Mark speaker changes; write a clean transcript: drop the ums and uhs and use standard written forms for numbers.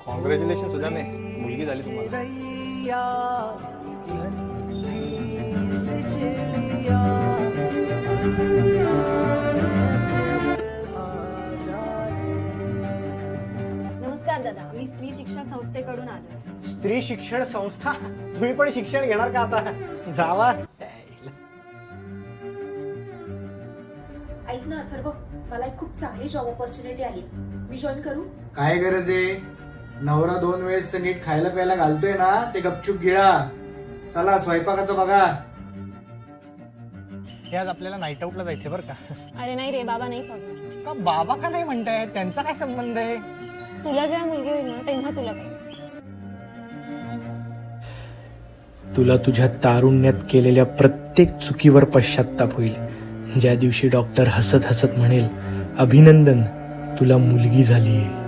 Speaker 1: Congratulation सुद्धा मे, मुलगी झाली तुम्हाला.
Speaker 2: नमस्कार दादा, मी स्त्री शिक्षण संस्थेकडून आलो.
Speaker 3: स्त्री शिक्षण संस्था? तुम्ही पण शिक्षण घेणार का आता? जावा.
Speaker 4: ऐक ना अथर्व, मला एक खूप चांगली जॉब ऑपॉर्च्युनिटी आली, मी जॉईन करू?
Speaker 5: काय गरज आहे? नवरा 2 वेळेस नीट खायला प्यायला घालतोय ना, ते गपचूप गिळा. चला स्वयंपाकाचं बघा.
Speaker 3: हे आज आपल्याला नाईट आउटला जायचं बरं का?
Speaker 2: अरे नाही रे, बाबा नाही सोडणार.
Speaker 3: का बाबा का नाही म्हणताय? त्यांचा काय संबंध आहे?
Speaker 2: तुला जेव्हा मुलगी होईल ना तेव्हा तुला काय.
Speaker 6: तुला तुझ्या तारुण्यात केलेल्या प्रत्येक चुकीवर पश्चाताप होईल. ज्या दिवशी डॉक्टर हसत हसत म्हणेल, अभिनंदन, तुला मुलगी झालीये.